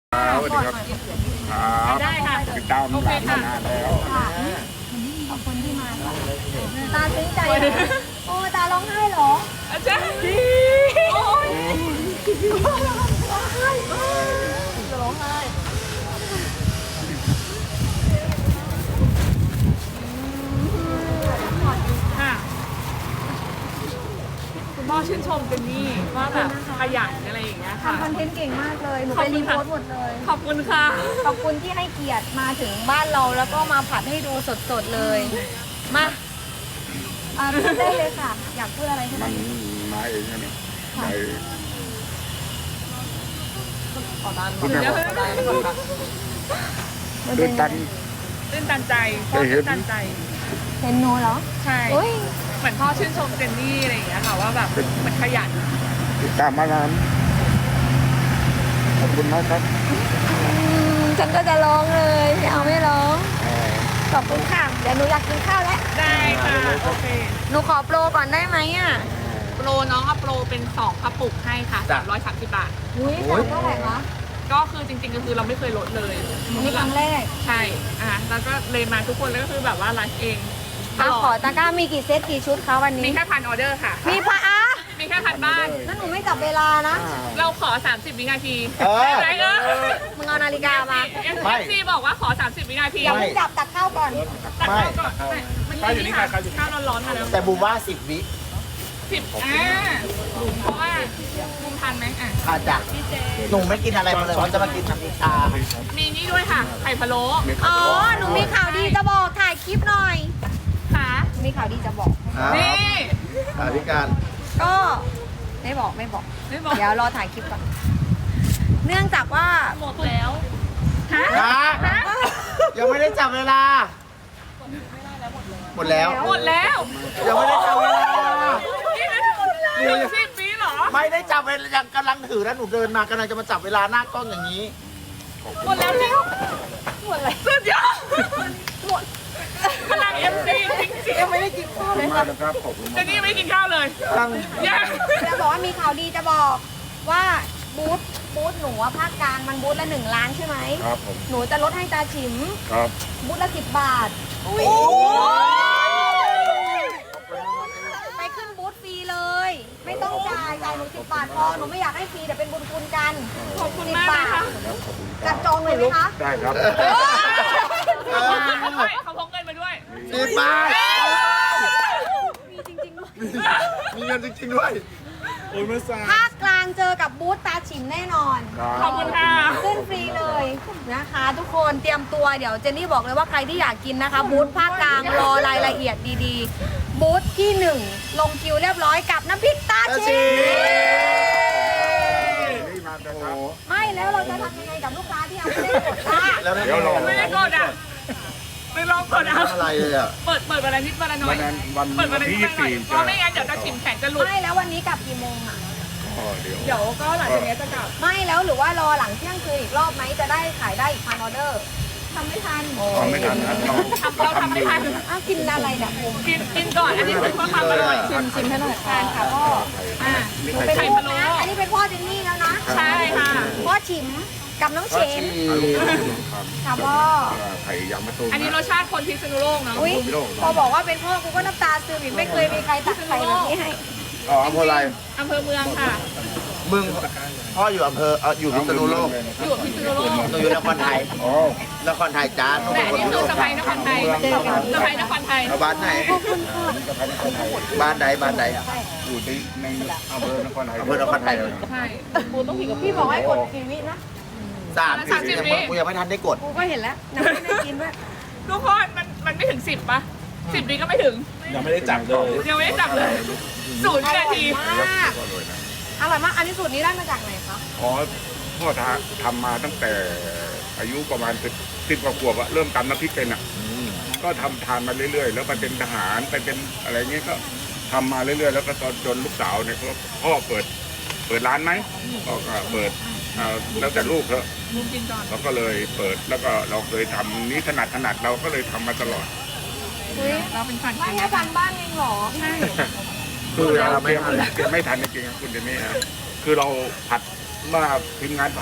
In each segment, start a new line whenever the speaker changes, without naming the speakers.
สวัสดีครับ
ได้ค่ะ
ติดตามร้านมานานแล้ว
ขอบคุณที่มาค่ะตาซึ้งใจโอ้ตาร้องไห้เหรอ
อาจารย์โอ้ย
ร้องไห้
ค่ะคุณพ่อชื่นชมเจนนี่ว่าแบบขยันอะไรอย่างเงี้ยค่ะ
ทำคอนเทนต์เก่งมากเลยหนู
ขอ
ไป
บคุ
รี
ณ
โพ
ค่ะ
สต์หมดเลย
ขอบคุณค่ะ
ขอบคุณที่ให้เกียรติมาถึงบ้านเราแล้วก็มาผัดให้ดูสดๆเลย มาพูดได้เลยค่ะ อยากพูดอะไรใช่ไหม
มันมาเองนะเนี่ยไปคุณแม่บอกตื่นตัน
ตื่นตันใจพ่อตื่นตันใจ
เห็นหนูเหรอ
ใช่
โอ้ย
เหมือนพ่อชื่นชมเจนนี่อะไรอย่างเงี้ยค่ะว่าแบบเหมือนขยัน
ติดตามมานานขอบคุณมากครับ
ฉันก็จะร้องเลยไม่เอาไม่ร้องขอบคุณค่ะเดี๋ยวหนูอยากกินข้าวแล้ว
ได้ค่ะโอเค
หนูขอโปรก่อนได้ไหมอ่ะ
โปรน้องเอาโปรเป็น2กระปุกให้ค่ะ330 บาท
อุ้ยสั่งเท่าไหร่คะ
ก็คือจริงๆก็คือเราไม่เคยลดเลย
อันนี้ครั้งแรก
ใช่แล้วก็เลยมาทุกคนแล้วก็คือแบบว่าไลฟ์เองต
อ่ะ
ลอ
ขอ
ด
ตะกร้ามีกี่เซตกี่ชุดคะวัน
มี
นี้
แค่พันออเดอร์ค่ะ
มีพะอ่ะ
มีแค่พันบ้าน
นั่นหนูไม่จับเวลานะ
เราขอ 30 วินาที
เออ
ได้ไหม
มึงเอานาฬิกามา
ไม่
FC บอกว่าขอ 30 วินาที
อย่าเพิ่งจับตักข้าวก่อน
ตัดข้าวก่อนมันอยู่นี่ค่ะข้าวร้อนๆมาแล้ว
แต่บูมว่า10 วิ
10เพราะว่ามุมทันไหม
อาจจะหนูไม่กินอะไรมาเลยเขาจะมากินน้ำพริกชา
มีนี่ด้วยค่ะ ไข่พะโล้
อ๋อ หนูมีข่าวดีจะบอกถ่ายคลิปหน่อย
ค่ะ
มีข่าวดีจะบอก
นี่
อธิการ
ก็ไม่บอกไม่บอก
ไม่บอก
เดี๋ยวรอถ่ายคลิปก่อน เนื่องจากว่า
หมดแล้วฮะ
นะยังไม่ได้จับเวลา หมดแล้ว
หมดแล้ว
ยังไม่ได้จับเวลา
นี่นะถึง10 วิเหรอ
ไม่ได้จับเวลายังกำลังถือแล้วหนูเดินมากำลังจะมาจับเวลาหน้ากล้องอย่างนี้
หมดแล้วแล้ว
หมดเลย
สุดยอดหมดพลัง MC จริงๆ
ยังไม่ได้กินข้าว
ขอบ
เล
คุ
ย
ณมากนะครับขอบคุณ
เจ
มาก
นนี่ไม่กินข้าวเลย
ตั้ง
ยัง
จะบอกว่ามีข่าวดีจะบอกว่าบูธหนูอะภาคกลางมันบูธละ1 ล้านใช่ไหม
ครับผม
หนูจะลดให้ตาฉิม
ครับ
บูธละ10 บาท
อุ้ย
ไปขึ้นบูธฟรีเลย ไม่ต้องจ่ายหนู10 บาทพอหนูไม่อยากให้ฟรีเดี๋ยวเป็นบุญคุณกัน
ขอบคุณ
10
มากเลย
บาท
ค่ะ
จัดจองเลยไหมคะ
ได้ครับ
เขาพกเงินมาด้วย
10 บาท
มีจริงๆด้วย
มีเงินจริงๆด้วย
โอ้ยมาสา
ภาคกลางเจอกับบูธตาฉิมแน่นอน
ขอบคุณค่ะ
ขึ้นฟรีเลยนะคะ ทุกคนเตรียมตัวเดี๋ยวเจนนี่บอกเลยว่าใครที่อยากกินนะคะบูธภาคกลางรอรายละเอียดดีๆ บูธที่ 1 ลงคิวเรียบร้อยกับน้ำพริกตาฉิม
นี่มาแต่ครับ
ไม่แล้วเราจะทำยังไงกับลูกค้าที่ยังไม่ได้กดอ่ะ
แล้วนั่น
เดี๋ยวรอ
ไม่ได้กดอ่ะไม่ลองกดเอา
ทำอะไรเลยอ่ะ
เปิดวันละนิดวันละหน่อ
วั
ย
นนั้นวัน
เปิดวันละนิ
ที่
ดวันละหน่อย
24
เพราะไม่งั้นเดี๋ยวจะฉิมแข็งจะหลุด
ไม่แล้ววันนี้กลับกี่โมงอ่ะ
เดี๋ยว
เดี๋ยวก็หลังจากนี้จะกลับ
ไม่แล้วหรือว่ารอหลังเที่ยงคืนอีกรอบไหมจะได้ขายได้อีก1,000 ออเดอร์ทำไม่ทัน
ทำไม่ทันนะ
เราทำไม่ทัน
อ้าวกินอะไรเนี่ยผม
กินก่อนอันนี้เป็นเพื่อความอร่อย
ชิมให้หน่อยค่ะค่ะพ่อ
อ่า
หนูเป็น
ไข่
พ่อ
พะโล้
นะอันนี้เป็นพ่อเจนนี่แล้วนะ
ใช่ค่ะ
พ่อฉิมกับน้องเชนค่ะพ่อ
ไข่ยางมะตูม
อันนี้รสชาติคนพิษณุโลกเนาะ
อุ้ยพอบอกว่าเป็นพ่อกูก็น้ำตาซึมอีกไม่เคยมีใครตักไข่แบบนี้ให้
อ๋ออำเภออะไร
อำเภอเมืองค่ะ
มึงพ่ออยู่อำเภออยู่พิษณุโลก
อยู่พิษณุโลก
หนูอยู่นครไทย
อ๋อน
ครไทยจ้าหนู
แต่
เป็น
อัน
คน
นี้
พิษณุ
คือ
โลก
สะพายนครไทยสะพายนครไทย
เอาบ้านไหน บ้านใดบ้านใด
อยู่ที่ในอำเภอนครไทย
อำเภอนครไทยเลย
ใช่ปูต้องผิดกับ
พี่บอกให้กดกี่วินะ
30 วิกูยังไม่ทันได้กด
กูก็เห็นแล้วยังไม่ได้กินด้วย
ทุกคนมันไม่ถึง10ป่ะ10 นี้ก็ไม่ถึง
ยังไม่ได้จับเลย
ยังไม่ได้จับเลย0 วินาที
มากอร่อยมากอันนี้สูตรนี้ได้มาจากไหนคะ
อ๋อพ่อทำมาตั้งแต่อายุประมาณ10 กว่าขวบอะเริ่มตำน้ำพริกเป็นอะก็ทำทานมาเรื่อยๆ แล้วไปเป็นทหารไปเป็นอะไรเงี้ยก็ทำมาเรื่อยๆ แล้วก็ตอนจนลูกสาวเนี่ยก็พ่อเปิดร้านไหมก็เปิดแล้วแต่ลูกเถอะ
มุมกินก่อน
เราก็เลยเปิดแล้วก็เราเคยทำนี้ถนัดเราก็เลยทำมาตลอด
อุ้ย
เราเป็นฝัน
ไม่แค่ทำบ้านเองเหรอ
ใช่
คือเราไม่ทันจริงๆไม่ทันจริงๆครับคุณเจนนี่ฮะคือเราผัดเมื่อทีมงานผัด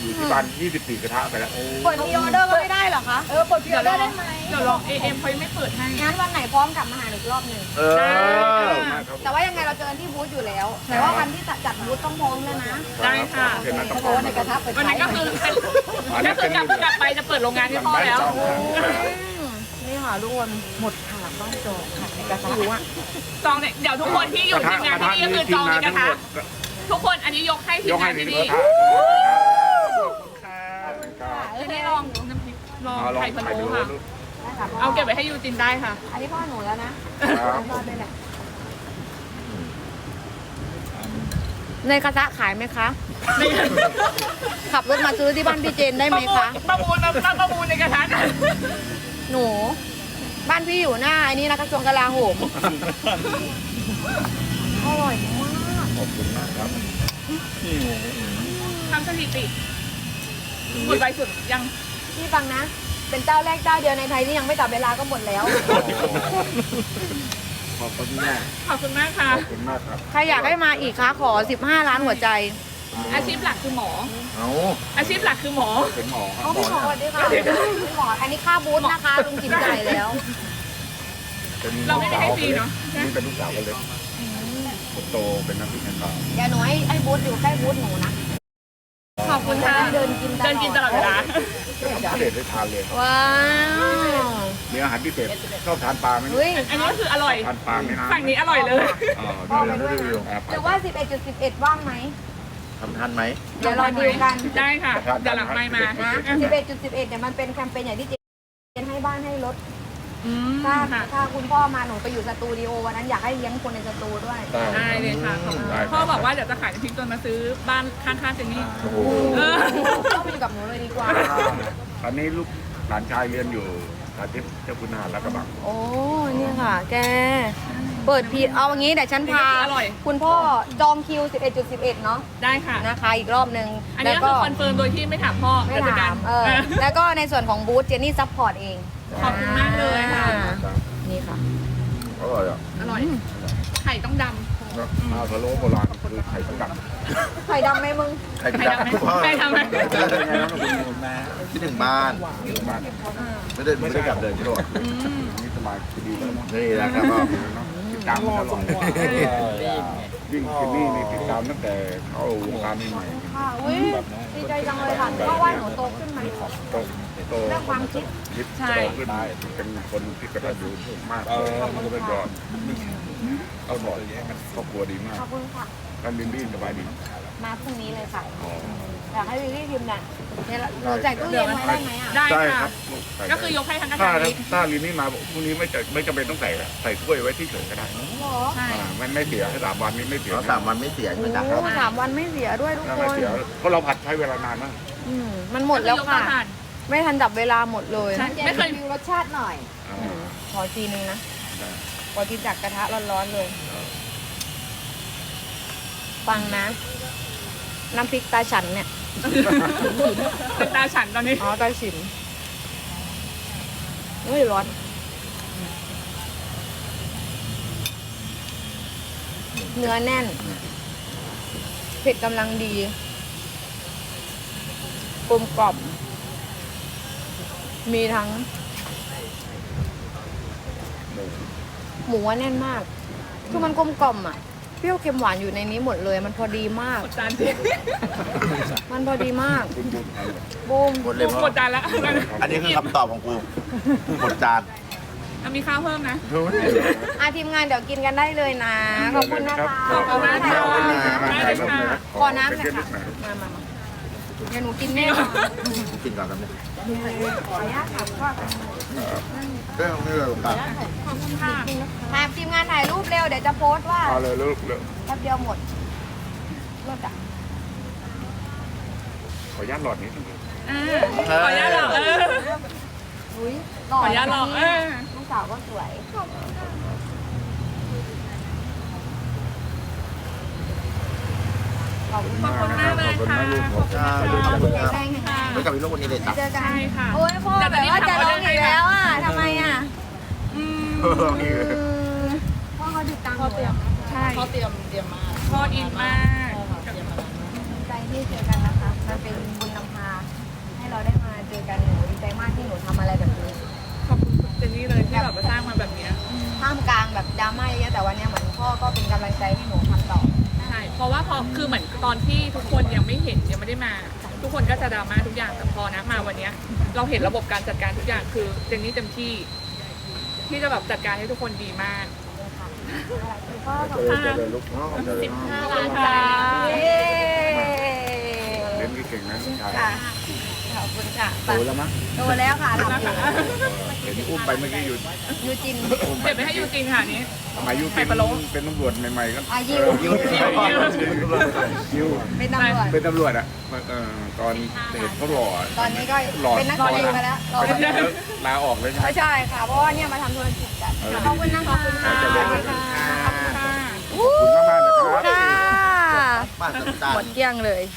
อยู่ที่บ้าน24 กระทะไปแล้ว
เปิดพรีออเดอร์ก็ไม่ได้เหรอคะ
เปิดพรีออเดอร์ได้ไหมเดี๋ยวลองAMเขายังไม่เปิดให้
งั้นวันไหนพร้อมกลับมาหาหนูอีกรอบหนึ่ง
เออ
แต่ว่ายังไงเราเจอกันที่บูธอยู่แล้ว แต่ว่าวันที่จัดบูธต้องพร้อมแล้วนะ
ได้ค่ะ
เห็นไหมต้อง
เพราะว่าในกระทะเปิด
วันนั้นก็คือกลับไปจะเปิดโรงงานให้พ่อแล้ว
นี่ค่ะทุกคนหมดค่ะบ้านจองค่ะในกระทะหิวอ่ะ
จองเนี่ยเดี๋ยวทุกคนที่อยู่ทีมงานที่นี่ก็คือจองในกระทะทุกคนอันนี้ยกให้ที
ย
ม
กให้
งาน
ใน
ที่
ก
นี่
ระทะ
จะได้ลองน้ำพริกลอง
ลอง
ไข่พะ
ไป
โล้
ดู
ค่ะ เอาเก็บไว้ให้ยูจินได้ค่ะ
อันนี้พ่อหนูแล้วนะ
ครับ
พ่อได้แหละในกระทะขายไหมคะ ขับรถมาซื้อที่บ้านพี่เจนได้ไหมคะ
ประมูลในกระทะกัน
หนู บ้านพี่อยู่หน้าไอ้นี่นะกระทรวงกลาโหมอร่อยมาก
ขอบคุณมากครับ
ทำสถิติหมดไวสุดยัง
พี่ฟังนะ เป็นเจ้าแรกเจ้าเดียวในไทยที่ยังไม่จับเวลาก็หมดแล้ว
ขอบคุณมาก
ขอบคุณมากค่ะ
ขอบคุณมากครับ
ใครอยากให้มาอีกคะขอ 15 ล้านหัวใจ
อาชีพหลักคือหมอ
เอา
อาชีพหลักคือหมอ
เป็นหมอครั
เอา
บ
พี่หมอสวัสดีค่ะพี่หมออันนี้ค่าบูธนะคะลุงจิ๋มจ่ายแล้ว
เราไม่ได้ให้ฟรีเนอะ
นี่เป็นลูกสาวคนเล็กคนโตเป็นนักวิชาการ
เดี๋ยวหนูให้บูธอยู่ใกล้บูธหนูนะ
ขอบคุณค่ะ
เดินกิน
เดินกินตลอดเวลา
พิเศษได้ทานเลย
ว้าว
มีอาหารพิเศษชอบทานปลาไหม
เฮ้ย
อันนี้ก็คืออร่อย
ทานปลาไหมนะ
ฝั่งนี้อร่อยเลย
พ่อไปด้วยนะหรือว่า 11.11 ว่างไหม
ทำทันไหม
เดี๋ยวรอดีลกัน
ได้ค่ะเดี๋ยวหลังไมค์มา
นะ 11.11 เนี่ยมันเป็นแคมเปญใหญ่ที่เจนให้บ้านให้รถ
อืม
ถ้า
ค่ะ
ถ้าคุณพ่อมาหนูไปอยู่สตูดิโอวันนั้นอยากให้เลี้ยงคนในสตูด้วย
ได้เลยค่ะพ่อบอกว่าเดี๋ยวจะขายน้ำพริกจนมาซื้อบ้านข้างๆเจนนี่
โอ้โห
ต้องไปอยู่กับหนูเลยดีกว่า
ตอนนี้ลูกหลานชายเรียนอยู่สาธิตเจ้าคุณทหารแล้วกระบัง
โอ้เนี่ยค่ะ แก เปิดพีเอาอย่างนี้เดี๋ยวฉันพา
อร่อย
คุณพ่อจองคิว 11.11 เนาะ
ได้ค่ะ
นะคะ อีกรอบนึง
อัน
แล้
นี้
ว
ก็
ก็
คือคอนเฟิร์มโดยที่ไม่ถามพ่อ
ไม่
จัดกา
ถาร มแล้วก็ในส่วนของบูธเจนนี่ซัพพอร์ตเอง
ขอบคุณมากเลยค่ะ
นี่ค่ะ
อร่อยอ่ะ
อร่อย ไข่ต้องด
ปลาพะโล้โบราณคือไข่ต้องดัง
ไข่ดำไหมมึง
ใคร
ำ
พิ
ไข่
จาร
ดำไหม
ณา
ไข่ดำไหม
ที่หนึ่งบ้าน
บ้าน
ไม่ได้กลับเลยที่โน่น
นี่สบายดีแล้วมั้ง
นี่นะครับก็
ติดตามตลอดวิ่งที่นี่ติดตามตั้งแต่เข้าวงการใหม่
ค่ะอุ้ยดีใจจังเลยค่ะเพราะว่าหนูโตขึ้นไหม
โตโต
เรื่องความคิด
คิดโตขึ้นเป็นคนที่กระตันยูมากเลยแล้วก็เอาบอกครอบครัวดีมาก
ขอบคุณค่ะ
ท่านบินบี้สบายดี
มาพรุ่งนี้เลยค่ะ อยากให้วิลลี่พิมพ์เนี่ยหนูแจกตู้เย็นไว้ได้ไหมอ่ะ
ได้
ใช่
ค่ะ
ครับ
ก็คือยกให้ทั้งกระ
ถ้า
ถางนี้
ถ้าลินนี่มาพรุ่งนี้ไม่จำเป็นต้องใส่ถ้วยไว้ที่เฉยก็ได้
หรอ
ใช่
มันไม่เสีย3 วันนี้ไม่เสีย
เรา3 วันไม่เสียใช่ไหมจ๊ะ
โอ้3 วันไม่เสียด้วยทุกค
ไม่
น
เสียเพราะเราผัดใช้เวลานานมาก
มันหมดแล้วค่ะ
ก็อผ่าน
ไม่ทันจับเวลาหมดเลย
ใช่ไม่เคย
รสชาติหน่อย ขอทีนึงนะ ขอกินจากกระทะร้อนๆเลย ฟังนะ น้ำพริกตาฉันเนี่ย
เป็นตาฉันตอนนี้
อ๋อตาฉินเฮ้ยร้อน เนื้อแน่น เผ็ดกำลังดีกลมกล่อม มีทั้ง หมูว่าแน่นมาก คือมันกลมกล่อมอ่ะ เปรี้ยวเค็มหวานอยู่ในนี้หมดเลย มันพอดีมาก
กดจานจริง
มันพอดีมาก
คุณบุญ
บูม
หมดเลย
กดจานแล้ว
อันนี้คือคำตอบของกูหมดจาน
มีข้าวเพิ่มนะ
ทีมงานเดี๋ยวกินกันได้เลยนะ ขอบคุณนะคะ
ขอบคุณมากค่ะ
ขอน้ำหน่อยค่ะมาเดี๋ยวหนูกินแน่นอน
กินก่อนครับเนี่ย
ขออนุญาตถามว่า
เรื่องนี้เลยครับ
ขอบคุณค่ะ
ถามทีมงานถ่ายรูปเร็ว เดี๋ยวจะโพสต์ว่า
เอาเลยลูกเลย
แป๊บเดียวหมดรถอ่ะ
ขออนุญาตหลอดนิดนึง
ขออนุญาตหรอ
อุ้ย
ขออนุญาตหรอ
ลูกสาวก็สวย ขอบคุณ
ขอบคุณมากเลยค่ะ
ขอบคุณนะลูกขอบคุณ
แรงค่ะ
ไม่กลับไปลูกวันนี้เลยจ้ะ
เจอกัน
ใช่ค่ะ
โอ้ยพ่อแบบว่าจะร้องอีกแล้วอ่ะทำไมอ่ะ พ่อเขาติดตามหนู
ใช่เขาเตรียมมาพ่ออินมาก
ดีใจที่เจอกันนะคะ มันเป็นบุญนำพามากที่หนูทำอะไรแบบนี้
ขอบคุณเจนนี่เลยที่แบบมาสร้างมาแบบเนี้ย
ท่ามกลางแบบดราม่าเยอะๆแต่วันเนี้ยเหมือนพ่อก็เป็นกำลังใจให้หนูทำต่อ
ใช่เพราะว่าพอคือเหมือนตอนที่ทุกคนยังไม่เห็นยังไม่ได้มา ทุกคนก็จะดราม่าทุกอย่างแต่พอนะมาวันเนี้ยเราเห็นระบบการจัดการทุกอย่างคือเจนนี่เต็มที่ที่จะแบบจัดการให้ทุกคนดีมาก
พ่อขอบ
เจ
คุณ
อเลยลูกน้องเจอเลย
ขอบคุณค่ะ
เย้
เล่นเก่งนะลูกชาย
ค่ะขอบคุณค่ะ
โตแล้วมั้ง
โตแล้วค่ะทำอยู่
เห็นอุ้มไปเมื่อกี้อยู่
ยูจิน
อุ้มไป
เก็บไปให้ยูจริงค่ะอันนี้
สมัยยู
ไข่
เป็น
พะโล้
เป็นตำรวจใหม่ๆก็
อายุ
ยิว
เป็นตำรวจ
เป็นตำรวจอ่ะตอนเห็นเขาหล่อ
ตอนนี้ก็
หล่อ
เป็นนักแสดงไปแล้วรอ
เป็นแล้วลาออกเลยใช่ไหม
ไม่ใช่ค่ะ เพราะว่าเนี่ยมาทำธุรกิจกัน ขอบคุณนะคะ
ขอบคุณค่ะ
ขอบคุณค่ะ
ขอบคุณมากๆนะครับ
ค่ะ
บ้านสัจจา
หมดเกลี้ยงเลย